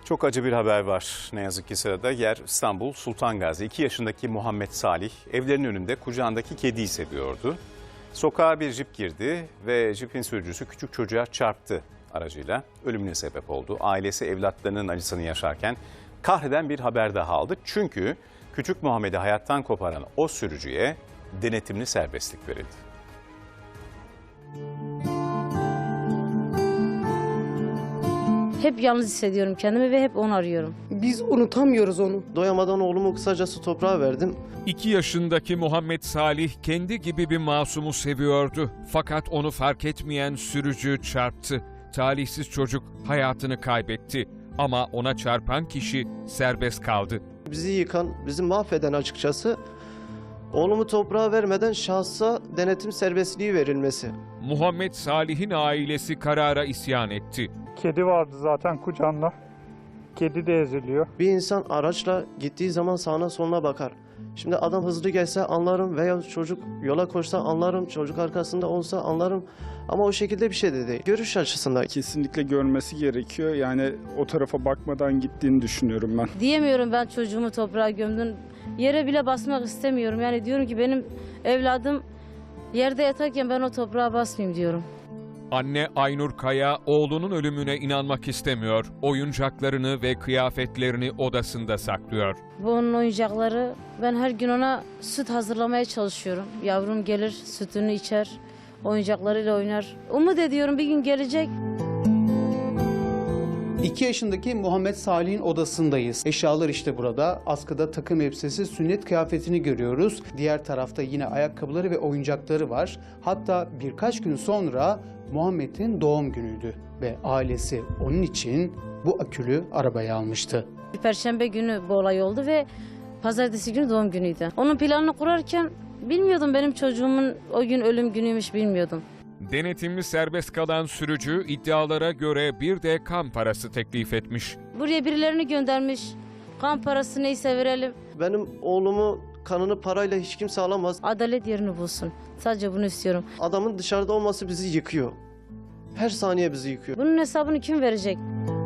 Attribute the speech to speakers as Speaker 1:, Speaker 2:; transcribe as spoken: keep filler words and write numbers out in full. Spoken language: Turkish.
Speaker 1: Çok acı bir haber var ne yazık ki sırada. Yer İstanbul Sultan Gazi. iki yaşındaki Muhammed Salih evlerinin önünde kucağındaki kediyi seviyordu. Sokağa bir jip girdi ve jipin sürücüsü küçük çocuğa çarptı aracıyla. Ölümüne sebep oldu. Ailesi evlatlarının acısını yaşarken kahreden bir haber daha aldı. Çünkü küçük Muhammed'i hayattan koparan o sürücüye denetimli serbestlik verildi.
Speaker 2: Hep yalnız hissediyorum kendimi ve hep onu arıyorum.
Speaker 3: Biz unutamıyoruz onu.
Speaker 4: Doyamadan oğlumu kısacası toprağa verdim.
Speaker 5: İki yaşındaki Muhammed Salih kendi gibi bir masumu seviyordu. Fakat onu fark etmeyen sürücü çarptı. Talihsiz çocuk hayatını kaybetti. Ama ona çarpan kişi serbest kaldı.
Speaker 4: Bizi yıkan, bizi mahveden açıkçası oğlumu toprağa vermeden şahsa denetim serbestliği verilmesi.
Speaker 5: Muhammed Salih'in ailesi karara isyan etti.
Speaker 6: Kedi vardı zaten kucağında. Kedi de eziliyor.
Speaker 4: Bir insan araçla gittiği zaman sağına soluna bakar. Şimdi adam hızlı gelse anlarım veya çocuk yola koşsa anlarım, çocuk arkasında olsa anlarım. Ama o şekilde bir şey de değil. Görüş açısından.
Speaker 7: Kesinlikle görmesi gerekiyor. Yani o tarafa bakmadan gittiğini düşünüyorum ben.
Speaker 2: Diyemiyorum ben çocuğumu toprağa gömdüm. Yere bile basmak istemiyorum. Yani diyorum ki benim evladım yerde yatarken ben o toprağa basmayayım diyorum.
Speaker 5: Anne Aynur Kaya oğlunun ölümüne inanmak istemiyor. Oyuncaklarını ve kıyafetlerini odasında saklıyor.
Speaker 2: Bu onun oyuncakları. Ben her gün ona süt hazırlamaya çalışıyorum. Yavrum gelir, sütünü içer, oyuncaklarıyla oynar. Umut ediyorum bir gün gelecek.
Speaker 8: iki yaşındaki Muhammed Salih'in odasındayız. Eşyalar işte burada. Askıda takım elbisesi, sünnet kıyafetini görüyoruz. Diğer tarafta yine ayakkabıları ve oyuncakları var. Hatta birkaç gün sonra Muhammed'in doğum günüydü ve ailesi onun için bu akülü arabayı almıştı.
Speaker 2: Perşembe günü bu olay oldu ve pazartesi günü doğum günüydü. Onun planını kurarken bilmiyordum benim çocuğumun o gün ölüm günüymüş bilmiyordum.
Speaker 5: Denetimli serbest kalan sürücü iddialara göre bir de kan parası teklif etmiş.
Speaker 2: Buraya birilerini göndermiş. Kan parası neyse verelim.
Speaker 4: Benim oğlumu kanını parayla hiç kimse alamaz.
Speaker 2: Adalet yerini bulsun. Sadece bunu istiyorum.
Speaker 4: Adamın dışarıda olması bizi yıkıyor. Her saniye bizi yıkıyor.
Speaker 2: Bunun hesabını kim verecek?